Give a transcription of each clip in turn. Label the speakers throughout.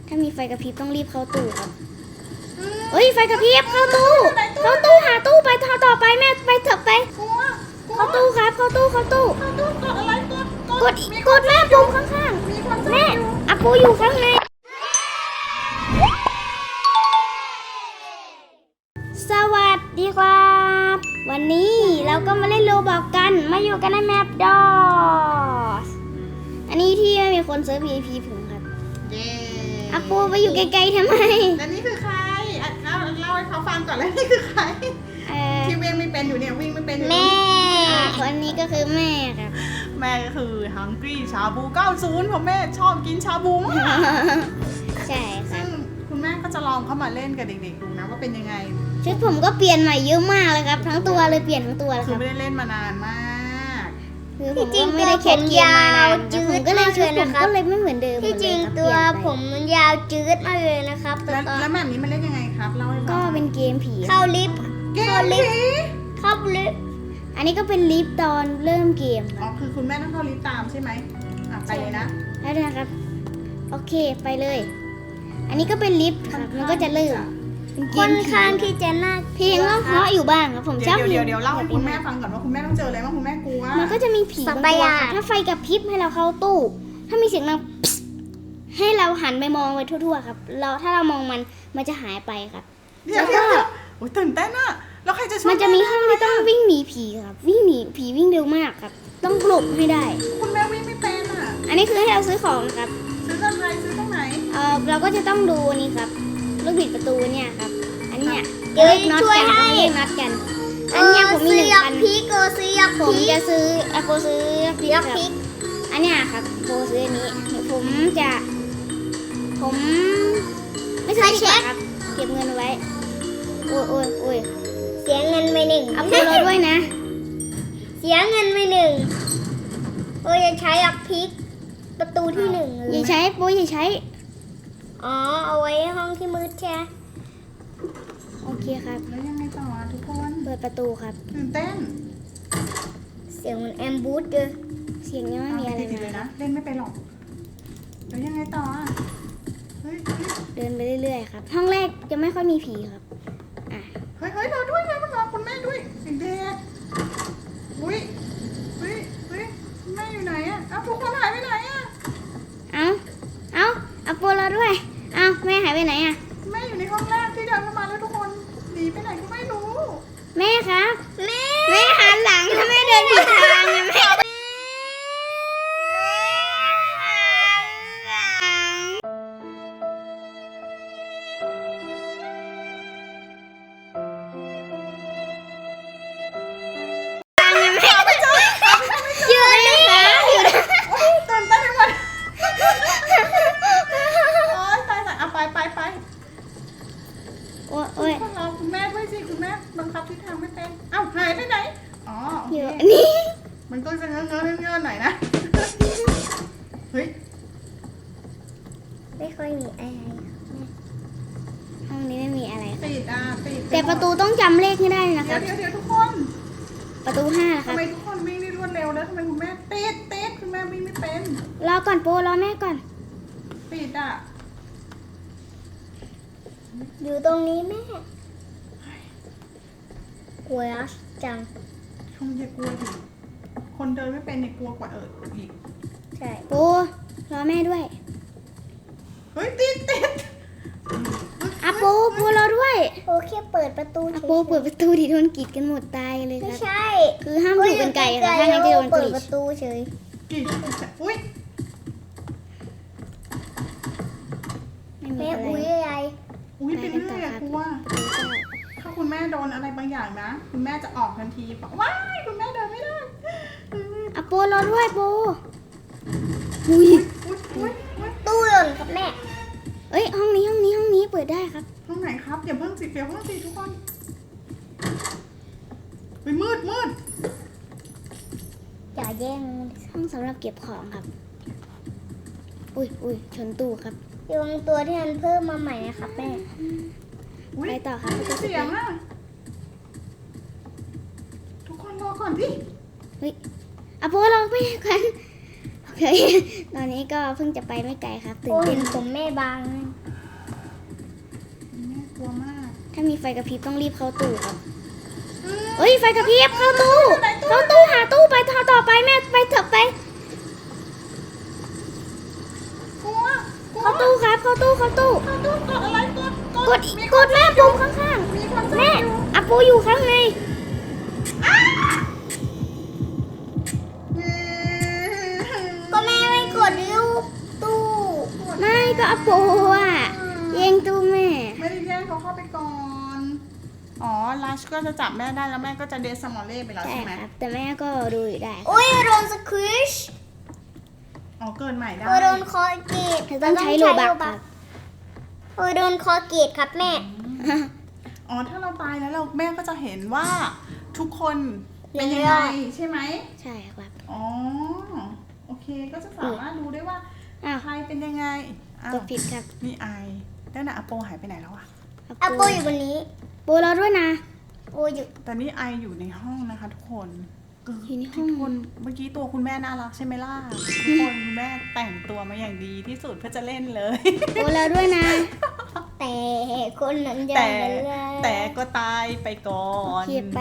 Speaker 1: ถ้ามีไฟกระพริบต้องรีบเข้าตู้ครับเฮ้ยไฟกระพริบเข้าตู้หาตู้ไปต่อไปแม่ไปเถอะไปเข้าตู้ครับเข้าตู้
Speaker 2: กดอะไร
Speaker 1: กดแม่ปุ่มข้างๆแม่อาปูอยู่ข้างในสวัสดีครับวันนี้เราก็มาเล่นโรบอกกันมาอยู่กันในแมปดอสอันนี้ที่ไม่มีคนเซิร์ฟ PVP ผมครับอาปูไปอยู่ไกลๆทำไม
Speaker 2: แล้วนี่คือใครเล่าให้เขาฟังก่อนแล้วนี่คือใครที่วิ่งไม่เป็นอยู่เนี่ยวิ่งไม่เป็น
Speaker 1: แม่คนนี้ก็คือแม่ครับ
Speaker 2: แม่ก็คือฮังกี้ชาบู90ผมแม่ชอบกินชาบูมาก
Speaker 1: ใช่ค่ะ
Speaker 2: คุณแม่ก็จะลองเข้ามาเล่นกับเด็กๆดูนะว่าเป็นยังไง
Speaker 1: ชุดผมก็เปลี่ยนใหม่เยอะมากเลยครับทั้งตัวเลยเปลี่ยนทั้งตัวเลยค
Speaker 2: รั
Speaker 1: บ
Speaker 2: ไม่ได้เล่นมานานมาก
Speaker 1: คือผมก็ไม่ได้เข็ดเกียร์มานานผมก็เลยชุดผมก็เลยไม่เหมือนเดิม
Speaker 3: ที่จริงตัวผมมันยาวจืดมากเลยนะครับ
Speaker 2: แล้วแบบนี้มันเล่นยังไงครับเล่าให้ฟัง
Speaker 1: ก็เป็นเกมผี
Speaker 3: เข้าลิฟต์
Speaker 1: อันนี้ก็เป็นลิฟต์ตอนเริ่มเกม
Speaker 2: อ๋อคือคุณแม่ต้องเข้าลิฟต์ตามใช่ไหมไปเลยนะ
Speaker 1: ได้นะครับโอเคไปเลยอันนี้ก็เป็นลิฟต์ครับมันก็จะเริ่ม
Speaker 3: ค่อนข้างที่จะน่า
Speaker 1: เพลงก็เพราะอยู่บ้างครับผมชอบ
Speaker 2: เดี๋ยวเล่าให้คุณแม่ฟังก่อนว่าคุณแม่ต้องเจออะไรบ้างคุณแม่กลัว
Speaker 1: มันก็จะมีผีบางตัวถ้าไฟกับพริบให้เราเข้าตู้ถ้ามีเสียงดังให้เราหันไปมองไปทั่วๆครับถ้าเรามองมันจะหายไปครับ
Speaker 2: แล้วก็โอ้ยตื่นเต้นอะแล้วใครจะช่วย
Speaker 1: มันจะมีห้องที่ต้องวิ่งหนีผีครับวิ่งหนีผีวิ่งเร็วมากครับต้องหลบให้ได้
Speaker 2: คุณแม่วิ่งไม่เป็นอะ
Speaker 1: อันนี้คือให้เราซื้อของนะครับ
Speaker 2: ซื้ออะไรซื้อตรงไหน
Speaker 1: เราก็จะต้องดูนี่ครับลูกบิดประตูเนี่ยครับอันเนี้ยเรียกน็อตกันเรียกน็อตกันอันเนี้ยผมมี1,000
Speaker 3: พีโกซื้อยัก
Speaker 1: ผมจะซื้อโปซื้อยัก
Speaker 3: พี
Speaker 1: อันเนี้ยครับโปซื้ออันนี้ผมไม่ซื้อดีกว่าครับเก็บเงินไว้โอ้ย
Speaker 3: เสียเงินไป1
Speaker 1: เอาโปรด้วยนะ
Speaker 3: เสียเงินไป1จะใช้ยักพีประตูที่1
Speaker 1: อย่าใช้โปอย่าใช้
Speaker 3: เอาไว้ห้องที่มืดใช่
Speaker 1: โอเคครับ
Speaker 2: แล้วยังไงต่อทุกคน
Speaker 1: เปิดประตูครับ
Speaker 2: ตื่นเต้น
Speaker 3: เสียงมันแอมบูสเลย
Speaker 1: เสียงนี้ไม่มีอะไร
Speaker 2: เลยนะเล่นไม่ไปหรอกแล้วยังไงต่อ
Speaker 1: เดินไปเรื่อยๆครับห้องแรกจะไม่ค่อยมีผีครับ
Speaker 2: เฮ้ยเราด้วยนะมันรอคุณแม่ด้วยเด็กอุ้ยแม่อยู่ไหนอะทุกคนหายไปไหนอะ
Speaker 1: เอาโปรเราด้วยแม่หายไปไหนอะ
Speaker 2: แม่อยู่ในห้องแรกที่เดินเข้ามาแล้วทุกคนหนีไปไหนก็ไม่รู้
Speaker 1: แม่ครับแม่หันหลังถ้าแม่เดินผิดทางแม่
Speaker 2: คุณแม่ด้วยสิคุณแม่บังคับทิศทางไม่เป็นหายไปไหน
Speaker 1: อยู่นี่
Speaker 2: มันก็จะเงอะหน่อยนะเฮ้ย
Speaker 3: ไม่ค่อยมีอะไร
Speaker 1: ห้องนี้ไม่มีอะไร
Speaker 2: ปิด
Speaker 1: แต่ประตูต้องจำเลขให้ได้นะครับ
Speaker 2: เดี๋ยวทุกคน
Speaker 1: ประตู5นะครับ
Speaker 2: ทำไมทุกคนวิ่งได้รวดเร็วแล้วทำไมคุณแม่ติดคุณแม่วิ่งไม่เป็น
Speaker 1: รอก่อนโปรอแม่ก่อน
Speaker 2: ปิด
Speaker 3: อยู่ตรงนี้แม่กลัวจัง
Speaker 2: คงจะกลัวอีกคนเดินไม่เป็นเนี่ยกลัวกว่าอีก
Speaker 3: ใช่
Speaker 1: โปรอแม่ด้วย
Speaker 2: เฮ้ยติด
Speaker 1: โปรอด้วย
Speaker 3: แค่เปิดประตู
Speaker 1: โปเปิดประตูดิโดนกีดกันหมดตายเลยครับ
Speaker 3: ไม่ใช่
Speaker 1: คือห้ามอยู่เป็นไก่ค่ะถ้างั้นจะโดน
Speaker 3: เปิดประตูเฉย
Speaker 2: กีดอุ้ย
Speaker 3: แม่อุ้ยอะไร
Speaker 2: ไปกันต่อครับกลัวถ้าคุณแม่โดนอะไรบางอย่างนะคุณแม่จะออกทันทีบอกว้ายคุณแม่เดินไม่ได้
Speaker 1: โปรอด้วยโป
Speaker 3: ตู้หล่นครับแม่
Speaker 1: ห้องนี้เปิดได้ครับ
Speaker 2: ห้องไหนครับอย่าเพิ่งสิทุกคนไปมืด
Speaker 3: อย่าแย่ง
Speaker 1: ห้องสำหรับเก็บของครับอุ้ยชนตู้ครับ
Speaker 3: โยงตัวที่มันเพิ่มมาใหม่นะครับแม่
Speaker 1: ไปต่อครับ
Speaker 2: เสียงทุกคนรอก่อนพี่
Speaker 1: โปรอไปกันโอเคตอนนี้ก็เพิ่งจะไปไม่ไกลครับตื่นเต้น
Speaker 3: ผมแม่บาง
Speaker 2: กลัวมาก
Speaker 1: ถ้ามีไฟกระพริบต้องรีบเข้าตู้ครับเฮ้ยไฟกระพริบเข้าตู้หาตู้ไปต่อไปแม่ไปเถอะไป
Speaker 2: กลัว
Speaker 1: เข้าตู้ครับเข้าตู้
Speaker 2: กดอะไรกด
Speaker 1: กดแม่ปุ่มข้าง
Speaker 2: มีคน
Speaker 1: ๆแม่อาปูอยู่ข้างใน
Speaker 3: ก็แม่ไม่กดลูกตู้
Speaker 1: ไม่ก็อาปูอ่ะแย่งตู้แม่
Speaker 2: ไม่ได้แย่งเขาเข้าไปก่อน อ๋อลัชก็จะจับแม่ได้แล้วแม่ก็จะเดสมอลเล่ไปแล้ว
Speaker 1: ใช่
Speaker 2: ใช่ไหม
Speaker 1: ครับแต่แม่ก็ดูอยู่ได้
Speaker 3: โอ้ยโดนสควิช
Speaker 2: อ๋อเกินใหม่ได้
Speaker 3: โอ้ยโดนคอเกต
Speaker 1: ต้องใช้โลบักครับ
Speaker 3: โอ้ยโดนคอเกตครับแม่
Speaker 2: อ๋อถ้าเราตายแล้วเราแม่ก็จะเห็นว่าทุกคนเป็นยังไงใช่ไหม
Speaker 1: ใช่ครับ
Speaker 2: อ๋อโอเคก็จะสามารถรู้ได้ว่า
Speaker 1: อ้าว
Speaker 2: ใครเป็นยังไงอ้าว
Speaker 1: กดผิดครับ
Speaker 2: นี่ไอแล้วน่ะอโปหายไปไหนแล้วอะ
Speaker 3: อาโปอยู่บนนี้
Speaker 1: ปูรอด้วยนะ
Speaker 3: โอ้ยอยู่
Speaker 2: แต่นี่ไออยู่ในห้องนะคะทุกคน
Speaker 1: อยู่ในห้อง
Speaker 2: ทุกคนเมื่อกี้ตัวคุณแม่น่ารักใช่ไหมล่ะทุกคนคุณแม่แต่งตัวมาอย่างดีที่สุดเพื่อจะเล่นเลย
Speaker 1: ปูรอด้วยนะ
Speaker 3: แต่คนนั้นยัง
Speaker 2: แต่
Speaker 3: ไม่ได้
Speaker 2: แต่ก็ตายไปก่อน
Speaker 1: เขียบไป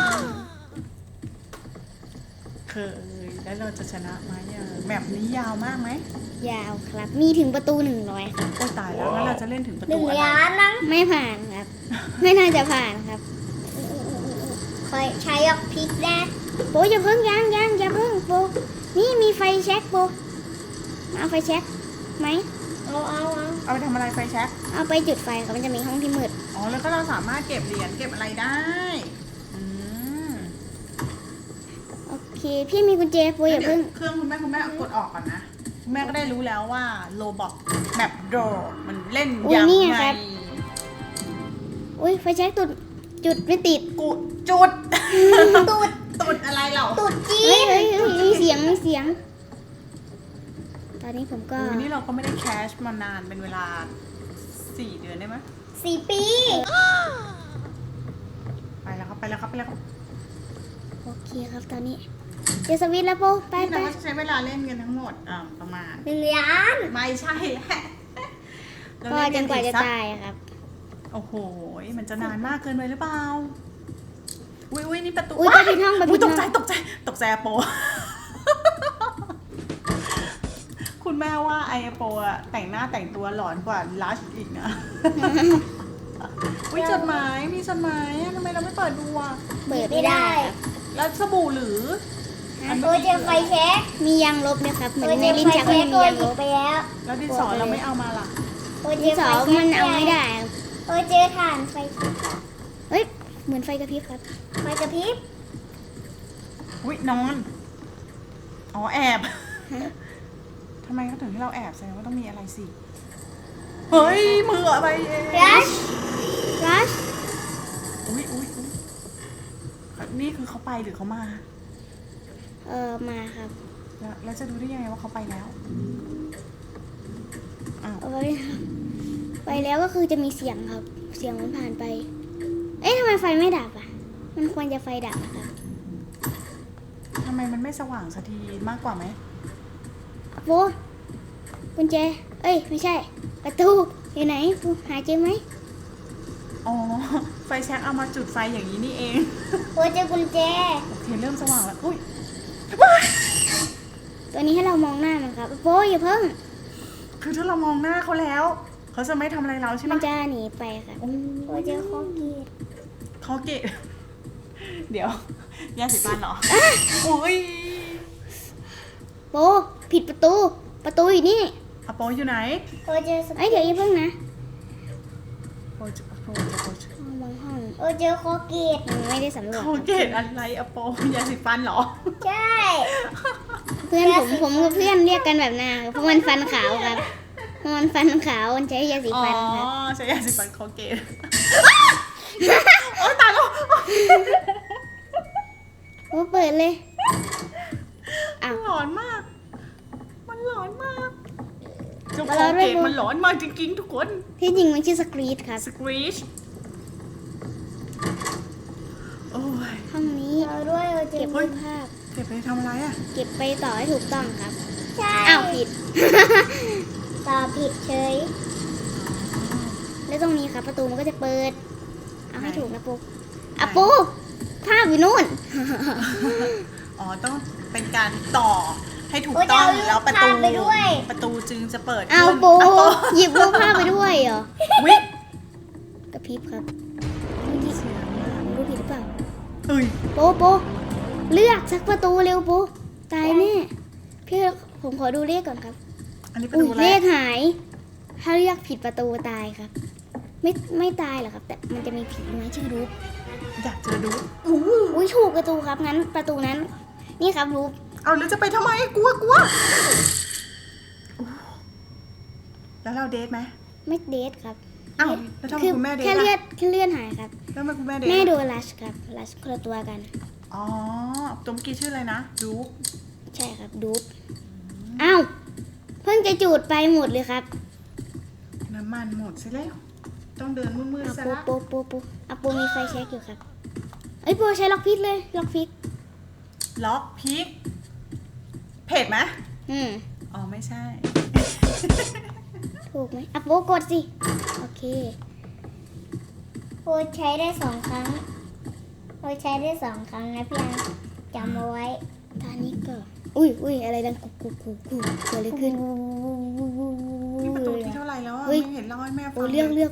Speaker 2: เคยแล้วเราจะชนะไหมอะแบบนี้ยาวมากไหม
Speaker 1: ยาวครับ มีถึงประตู100ครับ
Speaker 2: โอ้ยตายแล้วงั้นเราจะเล่นถึงประ
Speaker 3: หนึ่
Speaker 2: ตู
Speaker 3: ง
Speaker 2: อะไร
Speaker 3: ล้านนะ
Speaker 1: ไม่ผ่านครับ ไม่น่าจะผ่านครับ
Speaker 3: คอยใช้ออกพริกนะ
Speaker 1: ปูอย่าเพิ่งยังอย่าเพิ่งปูนี่มีไฟแช็กปูเอาไฟแช็กไหม
Speaker 2: เอาไปทำอะไรไฟแช็ก
Speaker 1: เอาไปจุดไฟครับมันจะมีห้องที่มืด
Speaker 2: อ๋อแล้วก็เราสามารถเก็บเหรียญเก็บอะไรได้อืม
Speaker 1: โอเค พี่มีกุญแจปูอย่าเพิ่ง
Speaker 2: เครื่องคุณแม่กดออกก่อนนะคุณแม่ก็ได้รู้แล้วว่าโลบอกแบบโดมันเล่น
Speaker 1: อุ๊ย
Speaker 2: ยัง
Speaker 1: นี่ไง
Speaker 2: ไง
Speaker 1: ครับ อุ้ยไฟแช็กจุดไม่ติด
Speaker 2: กูจุด
Speaker 3: ตูด
Speaker 2: ตุดอะไรเหรอ
Speaker 3: ตูดจี
Speaker 1: เฮ้ยมีเสียง ตอนนี้ผมก็
Speaker 2: อุ๊ยนี่เราก็ไม่ได้แคชมานานเป็นเวลา4 เดือนได้ไหม
Speaker 3: 4 ปี
Speaker 2: ไปแล้วครับ
Speaker 1: โอเคครับตอนนี้เจอสวิตช์แล้วปูไป
Speaker 2: นี่เราก็จะใช้เวลาเล่นกันทั้งหมดประมาณ
Speaker 3: 1 ล้าน
Speaker 2: ไม่ใช่แหละเรา
Speaker 1: ก็
Speaker 2: เล่
Speaker 1: จนกว่าจะ
Speaker 2: สั
Speaker 1: ตายอะครับ
Speaker 2: โอ้โหมันจะนานมากเกินไปหรือเปล่าอุ้ยนี่ประตู
Speaker 1: อุ้ยไปผิดห้องไป
Speaker 2: อุ๊
Speaker 1: ผิ
Speaker 2: ย
Speaker 1: ด
Speaker 2: ต
Speaker 1: ห้
Speaker 2: ก
Speaker 1: อง
Speaker 2: ใจอะโป คุณแม่ว่าไอโปอะแต่งหน้าแต่งตัวหลอนกว่าลัชอีกนะ อุ้ยจดหมายมีจดหมายอะทำไมเราไม่เปิดดูอะ
Speaker 1: เปิดไม่ได้ครับ
Speaker 2: แล้วสบู่หรือ
Speaker 3: โอ้ยเจอไฟแช็ก
Speaker 1: มียางลบนะครับเหมือ
Speaker 3: โอ้ย
Speaker 1: น
Speaker 3: เจ
Speaker 1: ใน
Speaker 3: อ
Speaker 1: ลิ้น
Speaker 3: ไฟ
Speaker 1: ชัก
Speaker 3: แช็
Speaker 1: มัน
Speaker 3: ก
Speaker 1: มี
Speaker 3: โอ้ย
Speaker 1: ยาง
Speaker 3: ห
Speaker 1: ล
Speaker 3: นี
Speaker 1: บ
Speaker 3: ไปแล้ว
Speaker 2: แล้วดินสอเราไม่เอามาล่ะ
Speaker 3: โอ้ยเจ
Speaker 1: ดิ
Speaker 3: อน
Speaker 1: ส
Speaker 3: ไฟ
Speaker 1: อ
Speaker 3: แช็ก
Speaker 1: มันเอาไม่ได้ครับ
Speaker 3: โอ้ยเจอถ่านไฟแช็ก
Speaker 1: เฮ้ยเหมือนไฟกระพริบครับ
Speaker 3: ไฟกระพริบ
Speaker 2: อุ้ยนอนอ๋อแอบ ทำไมเขาถึงให้เราแอบแสดงว่าต้องมีอะไรสิเฮ้ยมืออะไรเอง
Speaker 3: รัช
Speaker 1: รัช
Speaker 2: อุ้ยนี่คือเขาไปหรือเขามา
Speaker 1: มาครับ
Speaker 2: แล้วจะดูได้ยังไงว่าเขาไปแล้วอ้าว
Speaker 1: เอาไว้ครับไปแล้วก็คือจะมีเสียงครับ เสียงมันผ่านไป เอ๊ะทำไมไฟไม่ดับอ่ะ มันควรจะไฟดับอะครับ
Speaker 2: ทำไมมันไม่สว่างสักทีมากกว่าไหม
Speaker 1: โบกุญแจ เอ้ยไม่ใช่ ประตูอยู่ไหนปูหาเจอไหม
Speaker 2: อ๋อ ไฟแช็กเอามาจุดไฟอย่างนี้นี่เอง
Speaker 3: โอ้ยเจอกุญแจ
Speaker 2: โอเคเริ่มสว่างแล้ว อุ้ย
Speaker 1: ตัวนี้ให้เรามองหน้ามันครับโบอย่าเพิ่ง
Speaker 2: คือถ้าเรามองหน้าเขาแล้ว เขาจะไม่ทำอะไรเราใช่ไหม
Speaker 1: มันจะหนีไปครับ
Speaker 2: โอ้
Speaker 3: โอ้ยเจอคอเกต
Speaker 2: เขาเกะ เดี๋ยว ยาสีฟันเหรอ อุ้ย
Speaker 1: โบผิดประตู ประตูอยู่นี่
Speaker 2: อโปอยู่ไหน
Speaker 3: โอ้ยเจอส
Speaker 1: เอ้ยเดี๋ยวอย่าเพิ่งนะ
Speaker 2: โปจะ
Speaker 1: มองห้อง
Speaker 3: โอ้ยเจอคอเกต
Speaker 1: ยังไม่ได้สำรวจค
Speaker 2: เขา
Speaker 1: รับ
Speaker 2: เกตอะไรอโปยาสีฟันเหรอ
Speaker 3: ใช่
Speaker 1: เพื่อนผมกับเพื่อนเรียกกันแบบนั้นครับเพราะมันฟันขาวครับเพราะมันฟันขาวมันใช้ยาสี
Speaker 2: อ๋อ
Speaker 1: ฟันครับ
Speaker 2: ใช้ยาสีฟันเขาเกต โอ๊ยตายแล้ว
Speaker 1: โอ้เปิดเลยอ้าว
Speaker 2: หลอนมาก มันหลอนมากเจ้าของเกตมันหลอนมากจริงๆทุกคน
Speaker 1: ที่จริงมันชื่อสกรีดครับ
Speaker 2: สครีชโอ้ย
Speaker 1: ห้องนี้
Speaker 3: เราด้วยโอ้ยเจ
Speaker 1: เก็
Speaker 3: อบ
Speaker 1: รูปภาพ
Speaker 2: เก็บไปทำอะไรอ่ะ
Speaker 1: เก็บไปต่อให้ถูกต้องครับ
Speaker 3: ใช่
Speaker 1: อ้าวผิด
Speaker 3: ตอบผิดเฉย
Speaker 1: แแล้วตรงนี้ครับประตูมันก็จะเปิด เอาให้ถูกนะปูอ่ะปูภาพอยู่นู่น
Speaker 2: อ๋อต้องเป็นการต่อให้ถูก
Speaker 3: โอ้ย
Speaker 2: ต้อง
Speaker 3: จะ
Speaker 2: แล้วประตู
Speaker 3: เอารูปภาพไปด้วย
Speaker 2: ประตูจึงจะเปิด
Speaker 1: เอา
Speaker 2: ขึ้น
Speaker 1: ปู
Speaker 2: เอาปู
Speaker 1: หยิบรูปภาพไปด้วยเหรอ
Speaker 2: วิ
Speaker 1: กระพริบครับเมื่อกี้รู้ผิดหรือเปล่า
Speaker 2: เอ้ย
Speaker 1: โปเลือกสักประตูเร็วโปตายแน่พี่ผมขอดูเลขก่อนครับ
Speaker 2: อันนี้ประ
Speaker 1: อุ้
Speaker 2: ตู
Speaker 1: ย
Speaker 2: อะไร
Speaker 1: เลขหาย ถ้าเลือกผิดประตูตายครับ ไม่ตายหรอกครับ แต่มันจะมีผีไหมชื่อรูป
Speaker 2: อยากเจอดู
Speaker 1: อุ้ยถูกประตูครับงั้นประตูนั้น นี่ครับรูป
Speaker 2: เอาแล้วจะไปทำไมกลัวแล้วเราเดทไหม
Speaker 1: ไม่เดทครับ
Speaker 2: อ้าวแล้วทำไมคุณแม่เดท
Speaker 1: แค่
Speaker 2: ล่ะ
Speaker 1: เลื่อนหายครับ
Speaker 2: แล้วทำไมคุณแม่เดท
Speaker 1: แม่
Speaker 2: ล่ะ
Speaker 1: โดนลัชครับลัชคนละตัวกัน
Speaker 2: อ๋อตัวเมื่อกี้ชื่ออะไรนะดู
Speaker 1: ใช่ครับดูปอ้าวเพิ่งจะจูดไปหมดเลยครับ
Speaker 2: น้ำมันหมดซะแล้วต้องเดินมืด
Speaker 1: อ่ะ
Speaker 2: ๆซะ
Speaker 1: ปู
Speaker 2: ละ
Speaker 1: ปูอ่ะปูมีไฟแช็กอยู่ครับเอ้ยปูใช้ล็อกพิกเลยล็อกพิก
Speaker 2: ล็อกพิกเพจไหม อ๋อไม่ใช่
Speaker 1: ถูกไหมอ่ะปูกดสิโอเค
Speaker 3: โอ้ใช้ได้2 ครั้งโอ้ใช้ได้2 ครั้งนะพี่อันจำเอาไว้
Speaker 1: ตอนนี้ก็อุ้ยอะไรดังกุกเกิดอะไรขึ้น
Speaker 2: นี่ประตูที่เท่าไหร่แล้วอ่ะ
Speaker 1: เฮ้ย
Speaker 2: ไม่เห็นเล่าให้แม่ฟั
Speaker 1: โอ้
Speaker 2: ง
Speaker 1: เลือก
Speaker 2: เลย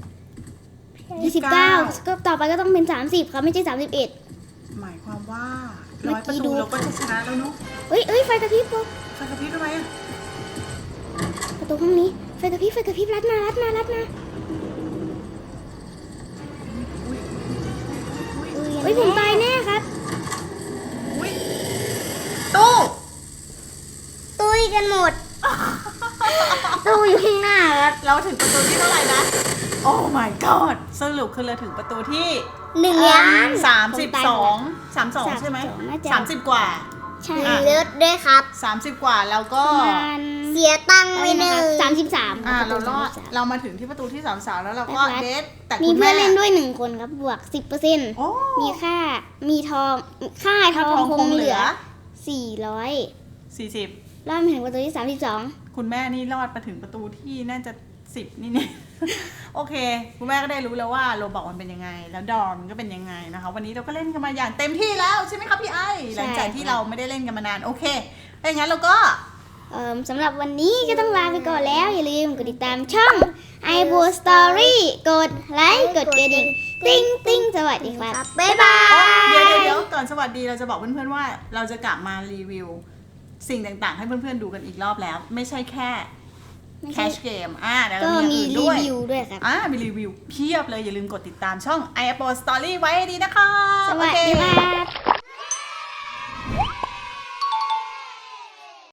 Speaker 1: 29ก็ต่อไปก็ต้องเป็น30ครับไม่ใช่31
Speaker 2: หมายความว่า
Speaker 1: เมื่อ
Speaker 2: 100
Speaker 1: กี้
Speaker 2: ประ
Speaker 1: ดู
Speaker 2: ตูเราก็จะชนะแล้วเนาะ
Speaker 1: เอ้ยไฟกระพริบปู
Speaker 2: ไฟกระพริบทำไมอ่ะ
Speaker 1: ประตูห้องนี้ไฟกระพริบรัดมา
Speaker 2: อุ้ย
Speaker 1: เฮ้ยผมตายแน่ครับ
Speaker 2: อุ้ยตู้
Speaker 3: ตุ้ยกันหมด
Speaker 1: ตู้อยู่ข้างหน้าครับ
Speaker 2: เราถึงประตูที่เท่าไหร่นะ โอ้ my god สรุปคือเราถึงประตูที่
Speaker 3: 1 ล้าน
Speaker 2: 32ใช่ไหม
Speaker 1: น่าจะ
Speaker 2: 30 กว่า
Speaker 1: ใช่
Speaker 3: เลิศด้วยครับ
Speaker 2: 30 กว่าแล้วก็
Speaker 1: ประมาณ
Speaker 3: เสียตังค์ไปหนึ่ง
Speaker 1: 33
Speaker 2: เรารอดเรามาถึงที่ประตูที่33แล้วเราก็
Speaker 1: แป๊บ
Speaker 2: เดทแต่
Speaker 1: มี
Speaker 2: คุณ
Speaker 1: เพื่
Speaker 2: แม่
Speaker 1: อนเล่นด้วย1 คนครับบวก 10%
Speaker 2: โอ้
Speaker 1: มีค่าทองคงเหลือ 400
Speaker 2: 40
Speaker 1: รอบมาถึงประตูที่
Speaker 2: คุณแม่นี่รอดมาถึงประตูที่น่าจะ10นี่เนี่ย โอเค คุณแม่ก็ได้รู้แล้วว่าโรบอกมันเป็นยังไง แล้วดอมมันก็เป็นยังไงนะคะ วันนี้เราก็เล่นกันมาอย่างเต็มที่แล้วใช่ไหมครับพี่ไอหลังจากที่เราไม่ได้เล่นกันมานานโอเคถ้าอย่างนั้นเราก็
Speaker 1: สำหรับวันนี้ก็ต้องลาไปก่อนแล้ว อย่าลืมกดติดตามช่อง i b o Story กดไลค์กดกระดิ่งติ้งสวัสดีครับ บ๊ายบาย
Speaker 2: เดี๋ยวก่อนสวัสดีเราจะบอกเพื่อนๆว่าเราจะกลับมารีวิว สิ่งต่างๆ ให้เพื่อนๆดูกันอีกรอบแล้ว ไม่ใช่แค่
Speaker 1: ไม่
Speaker 2: แค
Speaker 1: ใช่
Speaker 2: ชเกมเดี๋ยว
Speaker 1: ก็
Speaker 2: เรามีอย่างอื่น
Speaker 1: มีรี
Speaker 2: ด้วย
Speaker 1: วิวด้วยครับ
Speaker 2: มีรีวิวเพียบเลยอย่าลืมกดติดตามช่อง i Apple Story ไว้ให้ดีนะคะ
Speaker 1: สวัสดี
Speaker 2: โอเค
Speaker 1: ค่ะ